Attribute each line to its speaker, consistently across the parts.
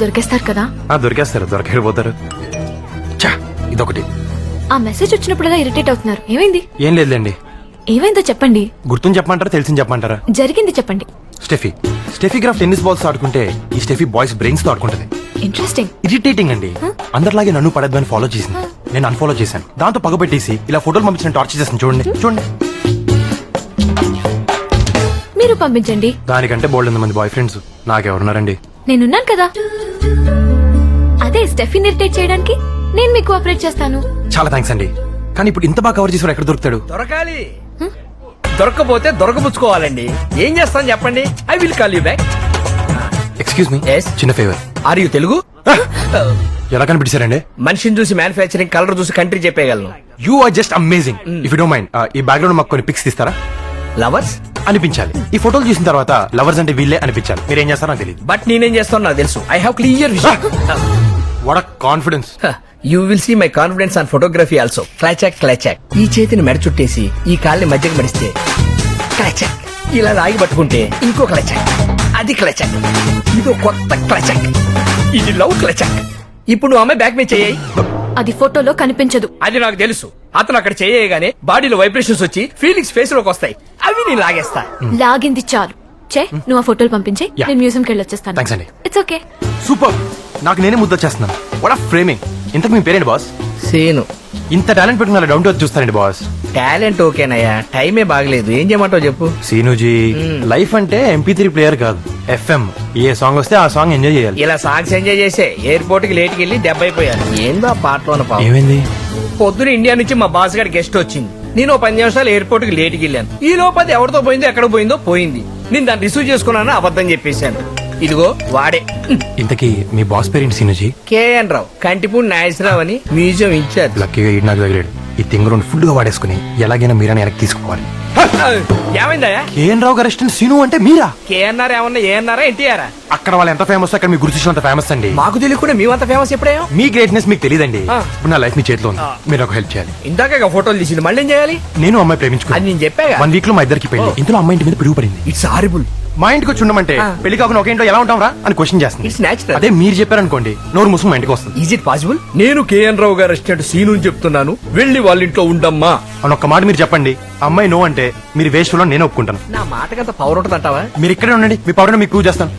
Speaker 1: దొరికేస్తారు కదా?
Speaker 2: దొరికేస్తారు, దొరికిపోతారు. ఇదొకటి.
Speaker 1: ఆ మెసేజ్ వచ్చినప్పుడల్లా ఇరిటేట్ అవుతున్నారు, ఏమైంది?
Speaker 2: ఏం లేదులేండి.
Speaker 1: ఏమైందో చెప్పండి.
Speaker 2: గుర్తుని చెప్పమంటారా, తెలిసింది చెప్పమంటారా?
Speaker 1: జరిగింది చెప్పండి.
Speaker 2: స్టెఫీ గ్రాఫ్ టెన్నిస్ బాల్స్ ఆడుకుంటే ఈ స్టెఫీ బాయ్స్ బ్రెయిన్స్ తో ఆడుకుంటది.
Speaker 1: ఇంట్రెస్టింగ్.
Speaker 2: ఇరిటేటింగ్ అండి. అందరిలాగే నన్ను పడద్దు అని ఫాలో చేసింది. నేను అన్ఫాలో చేశాను. దాంతో పగబెట్టేసి ఇలా ఫోటోలు పంపించిన టార్చర్ చేస్తాను. చూడండి చూడండి.
Speaker 1: మీరు పంపించండి.
Speaker 2: దానికంటే బోల్డ్ మంది బాయ్ ఫ్రెండ్స్ నాకెవరున్నారండి?
Speaker 1: నేనున్నాను కదా. అదే స్టెఫీని ఇరిటేట్ చేయడానికి నేను మీకు కోఆపరేట్ చేస్తాను.
Speaker 2: చాలా థ్యాంక్స్ అండి. కానీ ఇప్పుడు ఇంత బాగా కవర్ చేసి ఎక్కడ దొరుకుతాడు?
Speaker 3: దొరకాలి. దొరకపోతే దొరకబుచ్చుకోవాలండి. ఏం చేస్తాను చెప్పండి. I will call you back.
Speaker 2: Excuse me,
Speaker 3: Yes?
Speaker 2: చిన్న ఫేవర్.
Speaker 3: Are you Telugu?
Speaker 2: ఎలా కనిపించారండి?
Speaker 3: మనిషిని చూసి మ్యానుఫ్యాక్చరింగ్, కలర్ చూసి కంట్రీ చెప్పేయగలను.
Speaker 2: You are just amazing. If you don't mind ఈ బ్యాక్గ్రౌండ్ మాకు కొన్ని పిక్స్ తీస్తారా?
Speaker 3: లవర్స్
Speaker 2: అనిపించాలి. ఈ ఫోటోలు చూసిన తర్వాత లవర్స్ అంటే వీళ్ళే అనిపించాలి. మీరు ఏం చేస్తారో నాకు తెలియదు.
Speaker 3: బట్ నేనేం చేస్తాను నాకు తెలుసు. I have clear vision.
Speaker 2: What a confidence.
Speaker 3: You will see my confidence on photography also. క్లాచాక్ క్లాచాక్. ఈ చేతిని మెడ చుట్టేసి ఈ కాళ్ళని మధ్యకి మడిస్తే క్లాచాక్. ఇలా రాగి పట్టుకుంటే ఇంకో క్లాచాక్. అది క్లాచాక్. ఇదో కొత్త క్లాచాక్. ఇది లవ్ క్లాచాక్. ఇప్పుడు నువ్వు అమ్మాయి బ్యాక్ మీద చేయి.
Speaker 1: అది ఫోటోలో కనిపించదు.
Speaker 3: అది నాకు తెలుసు. అతను అక్కడ చేయగానే బాడీలో వైబ్రేషన్స్ వచ్చి ఫీలింగ్స్ ఫేస్ లోకి వస్తాయి. అవి నేను లాగేస్తా.
Speaker 1: లాగింది చాలు. నువ్వు ఆ ఫోటోలు పంపించే,
Speaker 2: Yeah.
Speaker 1: నేను మ్యూజియం కి వెళ్ళొచ్చేస్తాను.
Speaker 2: థ్యాంక్స్ అండి.
Speaker 1: It's okay.
Speaker 2: సూపర్. నాకు నేనే ముద్దొచ్చేస్తున్నాను. What are framing. ఇంతకు మీ పేరేంటి బాస్?
Speaker 3: సేను.
Speaker 2: ఇంత టాలెంట్ పెట్టుకున్న డౌన్ టు ఎర్త్ చూస్తారండి బాస్.
Speaker 3: టాలెంట్ ఓకేనయ్యా, టైమే బాగలేదు. ఏం చేయమంటావు చెప్పు.
Speaker 2: సీనుజీ, లైఫ్ అంటే MP3 ప్లేయర్ కాదు, FM. ఏ సాంగ్ వస్తే ఆ సాంగ్ ఎంజాయ్ చేయాలి.
Speaker 3: ఇలా సాంగ్స్ ఎంజాయ్ చేసే ఎయిర్పోర్ట్ కి లేట్కి వెళ్ళి దెబ్బ అయిపోయాను. ఏందో ఆ పాటలో పాపం.
Speaker 2: ఏమైంది?
Speaker 3: పొద్దున ఇండియా నుంచి మా బాస్ గారి గెస్ట్ వచ్చింది. నేను 10 నిమిషాలు ఎయిర్పోర్ట్ కి లేట్కి వెళ్ళాను. ఈ లోపు అది ఎవరితో పోయిందో ఎక్కడ పోయిందో పోయింది. నేను దాన్ని రిసీవ్ చేసుకున్నాను, అబద్ధం చెప్పేశాను. ఇదిగో వాడే.
Speaker 2: ఇంతకీ మీ బాస్ పేరేంటి సీనుజీ?
Speaker 3: KN రావు, కంటిపూడి నాగేశ్వరరావు అని మ్యూజియం ఇన్ఛార్జ్.
Speaker 2: లక్కీగా ఈడు నాకు తగిలాడు. ఈ తింగ రెండు ఫుల్ గా వాడేసుకుని ఎలాగైనా మీరని వెనక్కి తీసుకోవాలి.
Speaker 3: ఏమైందయ్యా?
Speaker 2: KN రావు గారు అసిస్టెంట్ సీను అంటే మీరా?
Speaker 3: KNR ఏమన్నా ఏఎన్ఆరా ఎన్టీఆరా?
Speaker 2: అక్కడ వాళ్ళు ఎంత ఫేమస్, అక్కడ మీ గుర్తు అంత ఫేమస్ అండి.
Speaker 3: మాకు తెలియకుండా మేమంత ఫేమస్ ఎప్పుడేమో.
Speaker 2: మీ గ్రేట్నెస్ మీకు తెలియదండి.
Speaker 3: ఆ.
Speaker 2: ఇప్పుడు నా లైఫ్ మీ చేతిలో ఉంది. మీరు ఒక హెల్ప్ చేయాలి.
Speaker 3: ఇందాక ఫోటోలు తీసింది, మళ్ళీ ఏం చేయాలి?
Speaker 2: నేను అమ్మాయి ప్రేమించుకున్నాను.
Speaker 3: అది నేను చెప్పాగా.
Speaker 2: 1 వీక్ లో మా ఇద్దరికి పెళ్లి. ఇందులో అమ్మాయి ఇంటి మీద పిడుగు పడింది.
Speaker 3: It's horrible.
Speaker 2: మా ఇంటికి వచ్చి ఉండమంటే పెళ్లి కాకుండా ఒక ఇంట్లో ఎలా ఉంటాం రా అని క్వశ్చన్ చేస్తుంది.
Speaker 3: It's natural.
Speaker 2: అదే మీరు చెప్పారనుకోండి, నోరు ముసుగు మా ఇంటికి వస్తుంది.
Speaker 3: Is it possible? నేను KN రావు గారు అసిస్టెంట్ సీను చెప్తున్నాను, వెళ్ళి వాళ్ళ ఇంట్లో ఉండమ్మా
Speaker 2: అని ఒక్క మాట మీరు చెప్పండి. అమ్మాయి నో అంటే మీరు వేస్ట్ లో నేను ఒప్పుకుంటాను.
Speaker 3: నా మాటకంత పవర్ ఉంటుంది అంటావా?
Speaker 2: మీరు ఇక్కడే ఉండండి, మీ పవర్ మీకు ప్రూవ్ చేస్తాను.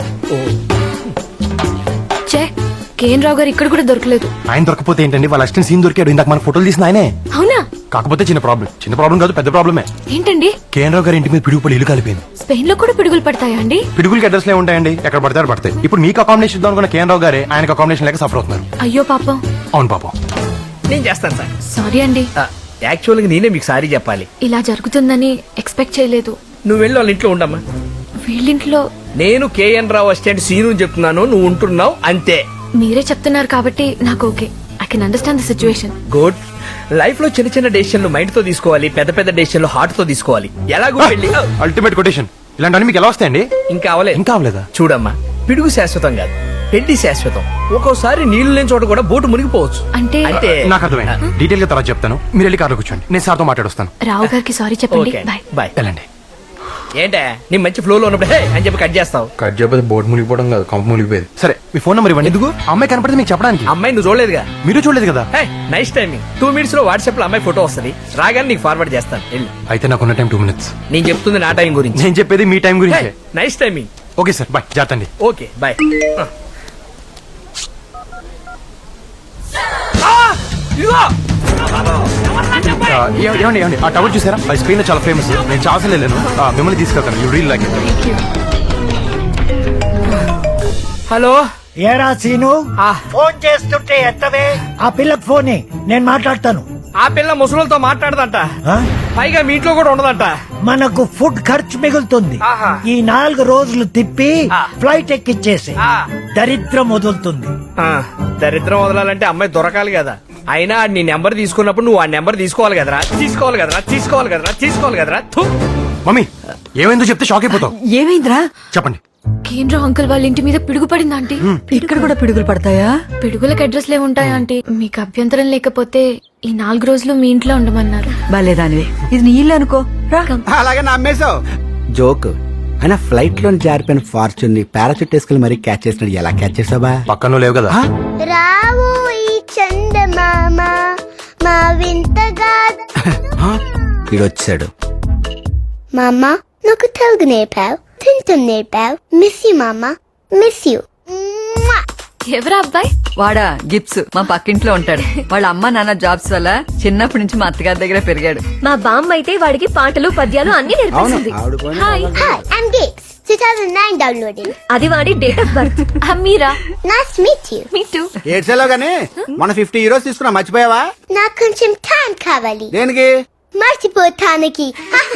Speaker 1: KN రావు గారు ఇక్కడ కూడా దొరకలేదు.
Speaker 2: ఆయన దొరకపోతే ఏంటండి, వాళ్ళ అసిస్టెంట్ సీన్ దొరికాడు. ఇందాక మన ఫోటోలు తీసిన ఆయనే.
Speaker 1: అవునా?
Speaker 2: కాకపోతే చిన్న ప్రాబ్లం కాదు, పెద్ద ప్రాబ్లమే.
Speaker 1: ఏంటండి?
Speaker 2: KN రావు గారి ఇంటి మీద పిడుగుపడి ఇల్లు కాలిపోయింది.
Speaker 1: స్పెయిన్ లో కూడా పిడుగులు పడతాయా అండి?
Speaker 2: పిడుగులకి అడ్రస్ లే ఉంటాయండి, ఎక్కడ పడతారు పడతాయి. ఇప్పుడు మీకు అకామిడేషన్ ఇద్దాం అనుకున్న KN రావు గారే ఆయనకు అకామిడేషన్ లేక సఫర్ అవుతున్నారు.
Speaker 1: అయ్యో పాపం.
Speaker 2: అవును పాపం.
Speaker 3: నేను చేస్తాను సార్.
Speaker 1: సారీ అండి.
Speaker 3: యాక్చువల్ గా నేనే మీకు సారీ చెప్పాలి.
Speaker 1: ఇలా జరుగుతుందని ఎక్స్పెక్ట్ చేయలేదు.
Speaker 3: నువ్వు వెళ్ళి వాళ్ళ ఇంట్లో ఉండమ్మా.
Speaker 1: వీళ్ళింట్లో
Speaker 3: నేను KN రావు అసిస్టెంట్ సీను చెప్తున్నాను, నువ్వు ఉంటున్నావు అంతే.
Speaker 1: మీరే చెప్తున్నారు కాబట్టి నాకు okay. I can understand the situation.
Speaker 3: Good. Life లో చిన్న చిన్న డెసిషన్లు మైండ్ తో తీసుకోవాలి, పెద్ద పెద్ద డెసిషన్లు హార్ట్ తో తీసుకోవాలి. ఎలాగో పెళ్లి
Speaker 2: అల్టిమేట్ కొటేషన్. ఇలాంటి మీకు ఎలా వస్తాయండి?
Speaker 3: ఇంకా అవలేదు.
Speaker 2: ఇంకా అవలేదా?
Speaker 3: చూడమ్మా, పిడుగు శాశ్వతం కాదు, పెళ్లి శాశ్వతం. ఒక్కోసారి నీళ్లు లేని చోట కూడా బోటు మునిగిపోవచ్చు.
Speaker 1: అంటే
Speaker 2: నాకు అర్థమైంది. డీటెయిల్ గా తర్వాత చెప్తాను. మీరు వెళ్ళి కార్లో కూర్చోండి, నేను సార్తో మాట్లాడొస్తాను.
Speaker 1: రావు గారికి సారీ చెప్పండి.
Speaker 3: Okay,
Speaker 1: bye.
Speaker 3: బాయ్.
Speaker 2: వెళ్ళండి.
Speaker 3: ఏంటే నీ మంచి ఫ్లో లో ఉన్నప్పుడు హే అని చెప్పి కట్ చేస్తావు?
Speaker 2: కట్ చేయకపోతే బోర్డు మునిగిపోవడం కాదు, కంప మునిగిపోయేది. సరే, మీ ఫోన్ నెంబర్ ఇవ్వండి. ఎందుకు? అమ్మాయి కనపడితే మీకు చెప్పడానికి.
Speaker 3: అమ్మాయి నువ్వు చూడలేదుగా?
Speaker 2: మీరు చూడలేదు కదా?
Speaker 3: Hey, nice timing. 2 minutes లో వాట్సాప్ లో అమ్మాయి ఫోటో వస్తుంది, రాగానే నీకు ఫార్వర్డ్ చేస్తాను. వెళ్ళు.
Speaker 2: అయితే నాకున్న టైం 2 minutes.
Speaker 3: నేను చెప్తుంది నా టైం గురించి.
Speaker 2: నేను చెప్పేది మీ టైం గురించి.
Speaker 3: Nice timing.
Speaker 2: Okay sir, bye. జాగ్రత్త అండి.
Speaker 3: Okay bye.
Speaker 2: ఏమండి ఆ టవర్ చూసారా? అది స్పెయిన్ లో చాలా ఫేమస్. నేను చాలా వెళ్ళాను. మిమ్మల్ని తీసుకెళ్తాను. You real like it.
Speaker 3: Hello.
Speaker 4: ఏరా సీను,
Speaker 3: ఆ.
Speaker 4: ఫోన్ చేస్తుంటే ఎత్తవే. ఆ పిల్లకి ఫోనే, నేను మాట్లాడతాను.
Speaker 3: ఆ పిల్ల ముసలులతో మాట్లాడదంట,
Speaker 4: ఆ?
Speaker 3: పైగా మీ ఇంట్లో కూడా ఉండదంట.
Speaker 4: మనకు ఫుడ్ ఖర్చు మిగులుతుంది.
Speaker 3: ఆహా.
Speaker 4: ఈ 4 రోజులు తిప్పి
Speaker 3: ఆ.
Speaker 4: ఫ్లైట్ ఎక్కిచ్చేసి
Speaker 3: ఆ.
Speaker 4: దరిద్రం వదులుతుంది.
Speaker 3: దరిద్రం వదలాలంటే అమ్మాయి దొరకాలి కదా. అయినా నీ నెంబర్ తీసుకున్నప్పుడు నువ్వు ఆ నెంబర్ తీసుకోవాలి కదరా. తీసుకోవాలి కదరా. థు.
Speaker 2: మమ్మీ, ఏమైందో చెప్తే షాక్ అయిపోతావు.
Speaker 5: ఏమైందిరా?
Speaker 2: చెప్పండి.
Speaker 1: KN రావు అంకుల్ వాళ్ళ ఇంటి మీద పిడుగు పడిందా ఆంటీ?
Speaker 5: ఇక్కడ కూడా పిడుగులు పడతాయా?
Speaker 1: పిడుగులకు అడ్రస్ లే ఉంటాయా ఆంటీ? మీకు అభ్యంతరం లేకపోతే ఈ 4 రోజులు మీ ఇంట్లో ఉండమన్నారు.
Speaker 5: బాలేదానివే, ఇది నీ ఇల్లు అనుకో. రా.
Speaker 6: అలాగే నమ్మేశావు.
Speaker 3: జోక్.
Speaker 6: అయినా ఫ్లైట్ లో జారిపోయిన ఫార్చ్యూన్ ని పారాచూట్ వేసుకుని మరీ క్యాచ్ చేసినాడు. ఎలా క్యాచ్ చేసావా?
Speaker 2: పక్కన లేవు కదా.
Speaker 7: రావు ఈ చందమామ మా వింతగా
Speaker 6: వీడు వచ్చాడు.
Speaker 7: మామ నాకు తెలుగు నేర్పావు, తింటం నేర్పావు. మిస్ యూ మామ, మిస్ యూ.
Speaker 1: ఎవరా అబ్బాయి?
Speaker 5: వాడా గిప్స్ మా పక్కింట్లో ఉంటాడు. వాళ్ళ అమ్మ నాన్న జాబ్స్ వల్ల చిన్నప్పటి నుంచి మా అత్తగారి దగ్గర పెరిగాడు.
Speaker 1: మా బామ్మ అయితే వాడికి పాటలు పద్యాలు అన్ని
Speaker 6: అవును
Speaker 1: నేర్పిస్తుంది.
Speaker 6: ఆవిడ పోయిన
Speaker 1: హాయ్.
Speaker 7: హాయ్, ఐమ్ గిప్స్. 2009 డౌన్లోడింగ్.
Speaker 1: అది వాడి డేట్ ఆఫ్ బర్త్. మీరా?
Speaker 7: Nice to meet you.
Speaker 1: Me too.
Speaker 6: ఏడ్చేలో గానీ మన 50 యూరోస్ తీసుకున్నా, మర్చిపోయావా?
Speaker 7: నాకు కొంచెం టైం కావాలి
Speaker 6: దేనికి?
Speaker 7: మర్చిపోతానికి.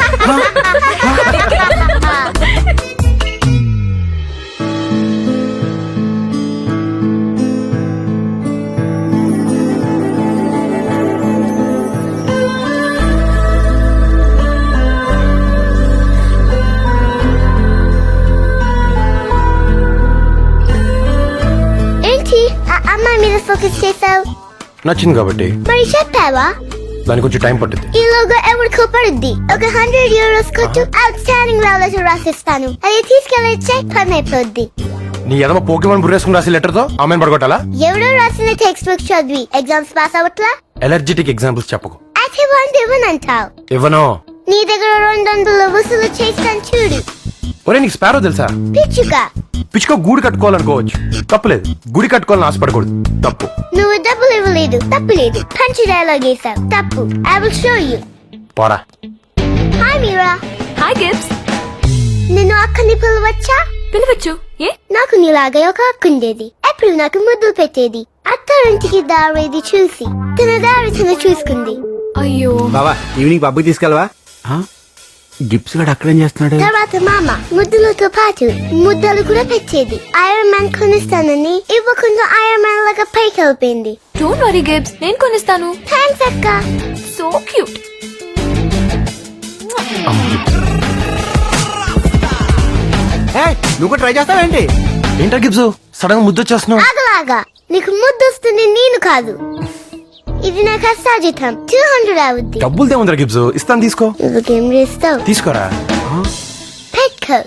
Speaker 7: ఏంటి అమ్మాయి మీద ఫోకస్ చేసావు?
Speaker 2: నచ్చింది కాబట్టి.
Speaker 7: మరి చెప్పావా?
Speaker 2: దానికి కొంచెం టైం పట్టింది.
Speaker 7: ఈ లోగో ఎవరికో పడుద్ది. ఒక 100 euros కొట్టు, అవుట్ స్టాండింగ్ లవ్ లెటర్ రాసిస్తాను. అది తీసుకెళ్ళొచ్చే పని అయిపోద్ది.
Speaker 2: నీ ఎదమ పోకేమని బుర్రేసుకుని రాసి లెటర్ తో ఆమెను పడగొట్టాలా?
Speaker 7: ఎవడో రాసిన టెక్స్ట్ బుక్ చదివి ఎగ్జామ్స్ పాస్ అవట్లా?
Speaker 2: ఎలర్జెటిక్ ఎగ్జాంపుల్స్ చెప్పకు.
Speaker 7: అయితే 1 ఇవ్వనంటావు.
Speaker 2: ఇవ్వను.
Speaker 7: నీ దగ్గర 200 వసూలు చేస్తాను చూడు.
Speaker 2: ఒరే నీకు స్పారో తెలుసా?
Speaker 7: పిచ్చుగా,
Speaker 2: పిచ్చుకో గూడు కట్టుకోవాలనుకోవచ్చు, తప్పులేదు. గుడి కట్టుకోవాలని ఆశపడకూడదు, తప్పు.
Speaker 7: నువ్వు డబ్బులు ఇవ్వలేదు, తప్పు లేదు. పంచి డైలాగ్ వేసావు, తప్పు. I will show you.
Speaker 2: పోరా.
Speaker 7: హాయ్ మీరా.
Speaker 1: హాయ్ గిప్స్.
Speaker 7: నిన్ను అక్కని పిలవచ్చా?
Speaker 1: పిలవచ్చు. ఏ?
Speaker 7: నాకు నీలాగే ఒక అక్కుండేది. ఎప్పుడు నాకు ముద్దులు పెట్టేది. అత్తారింటికి దారేది చూసి తన దారి తను చూసుకుంది.
Speaker 1: అయ్యో.
Speaker 6: బావా ఈవినింగ్ పబ్కి తీసుకెళ్ళవా? గిప్స్ గడు అక్కడేం చేస్తున్నాడు?
Speaker 7: తర్వాత మామ ముద్దులతో పాటు ముద్దలు కూడా పెట్టేది. ఐరన్ మ్యాన్ కొనిస్తానని ఇవ్వకుండా ఐరన్ మ్యాన్ లాగా పైకి వెళ్ళిపోయింది.
Speaker 1: డోంట్ వరీ గిప్స్, నేను కొనిస్తాను.
Speaker 7: థ్యాంక్స్ అక్క.
Speaker 1: So cute.
Speaker 6: నువ్వు ట్రై చేస్తావేంటి?
Speaker 2: ఏంటా గిబ్స్ సడన్ గా ముద్దొచ్చేస్తున్నావు?
Speaker 7: ఆగలాగా నీకు ముద్దు వస్తుంది, నేను కాదు. ఇది నాకు అసాజితం. 200 అవుద్ది.
Speaker 2: డబ్బులు తేముందిరా గిబ్స్, ఇస్తాను తీసుకో.
Speaker 7: నువ్వుకేం చేస్తావు?
Speaker 2: తీసుకోరా.
Speaker 7: పెట్టుకో.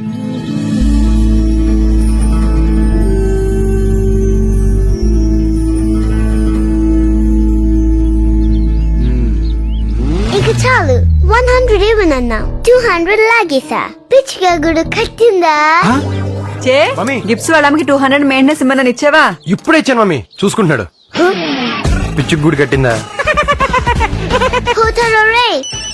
Speaker 7: ఇక చాలు. 100 ఇవ్వనన్నావు, 200 లాగేసా. పిచ్చిగా గుడు కట్టిందా?
Speaker 5: చే
Speaker 2: మమ్మీ.
Speaker 5: గిప్స్ వాళ్ళ అమ్మకి 200 మెయింటెనెన్స్ ఇమ్మని ఇచ్చావా?
Speaker 2: ఇప్పుడే ఇచ్చాను మమ్మీ, చూసుకుంటున్నాడు. పిచ్చుకు గూడు కట్టిందా?
Speaker 7: పోతారో రే.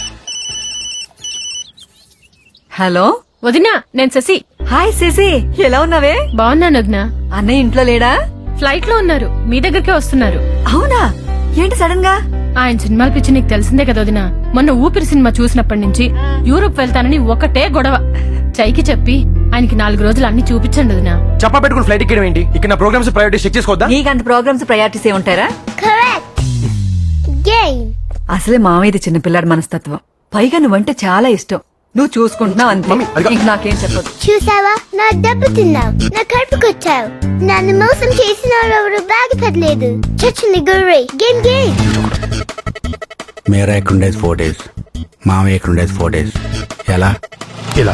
Speaker 5: హలో
Speaker 8: వదినా, నేను శశి.
Speaker 5: హాయ్ శశి, ఎలా ఉన్నావే?
Speaker 8: బాగున్నాను వదినా.
Speaker 5: అన్నయ్య ఇంట్లో లేడా?
Speaker 8: ఫ్లైట్ లో ఉన్నారు, మీ దగ్గరికే వస్తున్నారు.
Speaker 5: అవునా? ఏంటి సడన్ గా?
Speaker 8: ఆయన సినిమాల పిచ్చి నీకు తెలిసిందే కదా వదినా. మొన్న ఊపిరి సినిమా చూసినప్పటి నుంచి యూరోప్ వెళ్తానని ఒకటే గొడవ. చైకి చెప్పి ఆయనకి 4 రోజులు అన్ని చూపించండి వదినా.
Speaker 2: చెప్పా పెట్టుకుని ఫ్లైట్ ఎక్కడం ఏంటి? ఇక్కడ నా ప్రోగ్రామ్స్ ప్రయారిటీ చెక్ చేసుకోవద్దా?
Speaker 5: నీకంత ప్రోగ్రామ్స్ ప్రయారిటీస్ ఏ ఉంటారా?
Speaker 7: కరెక్ట్. గేమ్.
Speaker 5: అసలే మామయ్యది చిన్నపిల్లాడి మనస్తత్వం. పైగా నువ్వంటే చాలా ఇష్టం. నువ్వు చూసుకుంటున్నావు అంతే.
Speaker 2: మమ్మీ, అదిగో.
Speaker 5: ఇంక నాకేం చెప్పదు.
Speaker 7: చూసావా, నా డబ్బు తిన్నావు, నా కడుపుకొచ్చావు. నన్ను మోసం చేసిన ఎవరు బాగుపడలేదు. చచ్చింది గుర్రే. Game game.
Speaker 6: మేరా ఎక్కడుండేది 4 days, మామయ్య ఎక్కడుండేది 4 days. ఎలా?
Speaker 2: ఇలా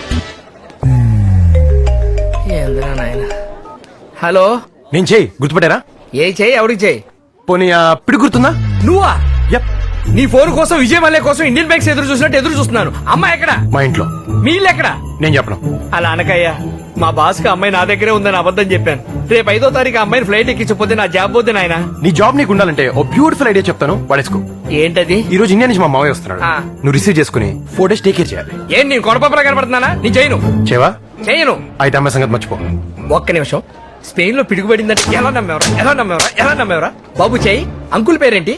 Speaker 3: ఏందిరా నాయన. హలో,
Speaker 2: నేను చేయి గుర్తుపట్టారా?
Speaker 3: ఏ చెయ్యి ఎవరికి చెయ్యి?
Speaker 2: పోనీ పిడి గుర్తుందా?
Speaker 3: నువ్వా?
Speaker 2: యప్,
Speaker 3: నీ ఫోన్ కోసం విజయ్ మల్లె కోసం ఇండియన్ బ్యాంక్స్ ఎదురు చూసినట్టు ఎదురు చూస్తున్నాను. అమ్మాయి ఎక్కడ?
Speaker 2: మా ఇంట్లో.
Speaker 3: మీ ఇల్లు ఎక్కడ?
Speaker 2: నేను చెప్పను.
Speaker 3: అలా అనకయ్యా. మా బాస్ కి అమ్మాయి నా దగ్గరే ఉందని అబద్ధం చెప్పాను. రేపు 5వ తారీఖు అమ్మాయిని ఫ్లైట్ ఎక్కించకపోతే నా జాబ్ పోతే నాయన.
Speaker 2: నీ జాబ్ నీకు ఉండాలంటే ఓ బ్యూటిఫుల్ ఐడియా చెప్తాను, పడేసుకో.
Speaker 3: ఏంటది?
Speaker 2: ఈ రోజు ఇండియా నుంచి మా మావయ్య వస్తున్నాడు.
Speaker 3: ఆ.
Speaker 2: నువ్వు రిసీవ్ చేసుకుని 4 days టేక్ కేర్ చేయాలి.
Speaker 3: ఏం నేను కొడపప్పలా కనపడుతున్నానా? నేను చేయను.
Speaker 2: చేవా?
Speaker 3: చేయను.
Speaker 2: అయితే అమ్మాయి సంగతి మర్చిపో.
Speaker 3: ఒక్క నిమిషం. స్పెయిన్ లో పిడుగుపడిందంటే ఎలా నమ్మేవరా? ఎలా నమ్మేవరా? ఎలా నమ్మేవరా? బాబు చెయ్యి. అంకుల్ పేరేంటి?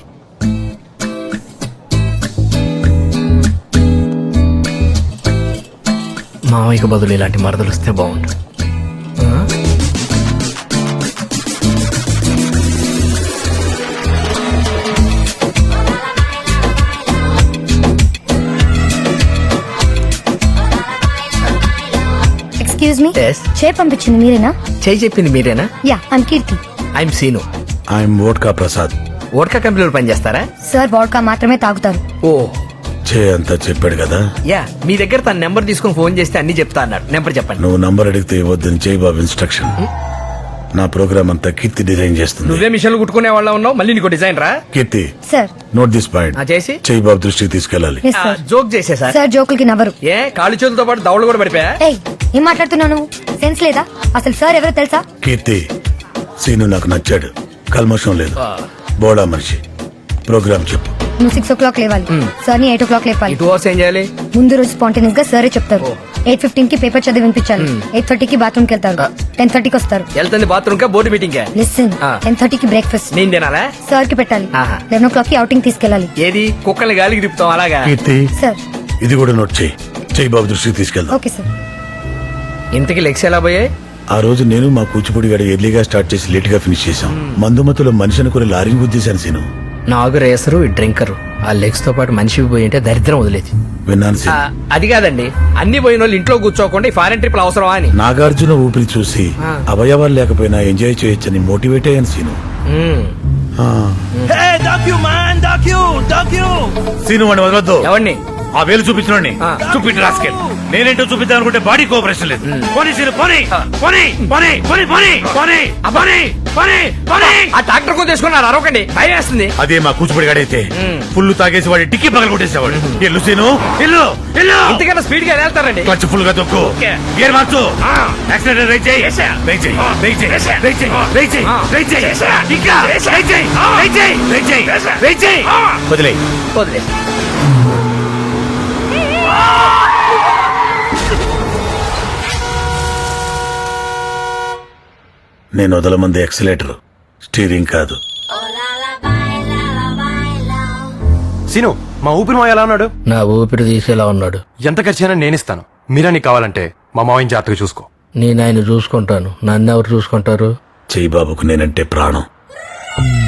Speaker 3: మావయ్యకు బదులు ఇలాంటి మరదలు వస్తే బాగుండు.
Speaker 7: Excuse me.
Speaker 3: Yes.
Speaker 7: చేయి పంపించింది మీరేనా?
Speaker 3: చెయ్యి చెప్పింది మీరేనా?
Speaker 7: Yeah, I'm Keerthi.
Speaker 3: I'm Seenu.
Speaker 6: I'm vodka Prasad.
Speaker 3: ఓట్కా కంపెనీలో పనిచేస్తారా?
Speaker 7: సార్ వాడ్కా మాత్రమే తాగుతారు.
Speaker 3: ఓ,
Speaker 6: అంతా చెప్పాడు కదా.
Speaker 3: యా మీ దగ్గర తన నెంబర్ తీసుకుని ఫోన్ చేస్తే అన్ని చెప్తా అన్నాడు. నెంబర్ చెప్పండి.
Speaker 6: నువ్వు నంబర్ అడిగితే ఇవ్వద్దని చేయి బాబు ఇన్స్ట్రక్షన్. నా ప్రోగ్రామ్ అంతా కీర్తి డిజైన్ చేస్తుంది.
Speaker 3: నువ్వే మిషన్లు కుట్టుకునే వాళ్ళ ఉన్నావు, మళ్ళీ నీకు డిజైన్ రా.
Speaker 6: Keerthi
Speaker 9: sir
Speaker 6: note this point.
Speaker 3: చేసి
Speaker 6: చేయి బాబు దృష్టికి తీసుకెళ్ళాలి.
Speaker 9: Yes sir.
Speaker 3: జోక్ చేసే సార్.
Speaker 9: సార్ జోకులకి నవ్వరు.
Speaker 3: ఏ కాళ్ళు చేతులతో పాటు దవడలు కూడా పడిపోయా.
Speaker 9: ఏయ్ ఏం మాట్లాడుతున్నావు నువ్వు? సెన్స్ లేదా? అసలు సార్ ఎవరో తెలుసా?
Speaker 6: కీర్తి సీను నాకు నచ్చాడు. కల్మషం లేదు, బోడా మనిషి. ప్రోగ్రామ్ చెప్పు.
Speaker 9: నువ్వు 6 o'clock లేవాలి. సార్ ని 8 o'clock లేపాలి.
Speaker 3: 2 hours ఏం చేయాలి?
Speaker 9: ముందు రోజు స్పాంటేనియస్ గా సరే చెప్తారు. 8:15 కి పేపర్ చదివి వినిపించాలి. 8:30 కి బాత్రూమ్ కి వెళ్తారు. 10:30 కి వస్తారు.
Speaker 3: వెళ్తుంది బాత్రూమ్ కా బోర్డు మీటింగ్ కా?
Speaker 9: లిసన్, 10:30 కి బ్రేక్ఫాస్ట్
Speaker 3: నేను తినాలా?
Speaker 9: సార్ కి పెట్టాలి.
Speaker 3: ఆహా.
Speaker 9: 11 o'clock కి అవుటింగ్ తీసుకెళ్ళాలి.
Speaker 3: ఏది కుక్కల్ని గాలికి తిప్పుతాం అలాగా?
Speaker 6: కీర్తి
Speaker 9: సార్
Speaker 6: ఇది కూడా నోట్ చేయి. చేయి బాబు దృష్టికి తీసుకెళ్దాం.
Speaker 9: Okay sir.
Speaker 3: ఇంతకి లెక్స్ ఎలా పోయాయి?
Speaker 6: ఆ రోజు నేను మా కూచిపూడి గడ ఎర్లీగా స్టార్ట్ చేసి లేట్ గా ఫినిష్ చేశాం. మందుమతులో మనిషి అనుకుని లారీని గుద్దేశాను సీను.
Speaker 3: నాగు రేసరు ఈ డ్రింకరు ఆ లెగ్స్ తో పాటు మనిషి పోయి ఉంటే దరిద్రం వదిలేదు.
Speaker 6: విన్నాను సీను.
Speaker 3: అది కాదండి, అన్ని పోయిన వాళ్ళు ఇంట్లో కూర్చోకుండా ఈ ఫారెన్ ట్రిప్ అవసరమా అని.
Speaker 6: నాగార్జున ఊపిరి చూసి అవయవాలు లేకపోయినా ఎంజాయ్ చేయొచ్చని మోటివేట్ అయ్యాను సీను. సీను వాడిని వదలొద్దు.
Speaker 3: ఎవరిని?
Speaker 6: ఆ వేలు చూపించిన
Speaker 3: ఆ.
Speaker 6: చూపించి రాసుకెళ్ళి. నేనేంటో చూపిద్దాం అనుకుంటే బాడీ కోఆపరేషన్ లేదు. పోనీ సీను, పోనీ, పోనీ, పోనీ, పోనీ, పోనీ, పోనీ, పోనీ, పోనీ, పోనీ.
Speaker 3: ఆ ట్రాక్టర్ కొని తీసుకున్నారు, అరవకండి, భయం వేస్తుంది.
Speaker 6: అదే మా కూచిపూడి గడైతే ఫుల్ తాగేసి వాడి టిక్కి పగల కొట్టేసేవాడు. ఎల్లు సీను, ఎల్లు, ఎల్లు.
Speaker 3: ఇంతకన్నా స్పీడ్ గా వెళ్తారండి.
Speaker 6: క్లచ్ ఫుల్ గా తొక్కు. గేర్ మార్చు. యాక్సిడెంట్ రైట్ చేయి. రైట్ చేయి, రైట్ చేయి, రైట్ చేయి, రైట్ చేయి, రైట్ చేయి. ఇంకా రైట్ చేయి, రైట్ చేయి, రైట్ చేయి, రైట్ చేయి. వదిలేయ్.
Speaker 3: వదిలే.
Speaker 6: నేను వదలమంది ఎక్సలేటర్, స్టీరింగ్ కాదు.
Speaker 2: సీను, మా ఊపిరి మావ ఎలా ఉన్నాడు?
Speaker 3: నా ఊపిరి తీసేలా ఉన్నాడు.
Speaker 2: ఎంత ఖర్చైనా నేనిస్తాను. మీరా నీకు కావాలంటే మా మావయ్య జాగ్రత్తగా చూసుకో.
Speaker 3: నేను ఆయన చూసుకుంటాను, నన్ను ఎవరు చూసుకుంటారు?
Speaker 6: చెయ్యి బాబుకు నేనంటే ప్రాణం.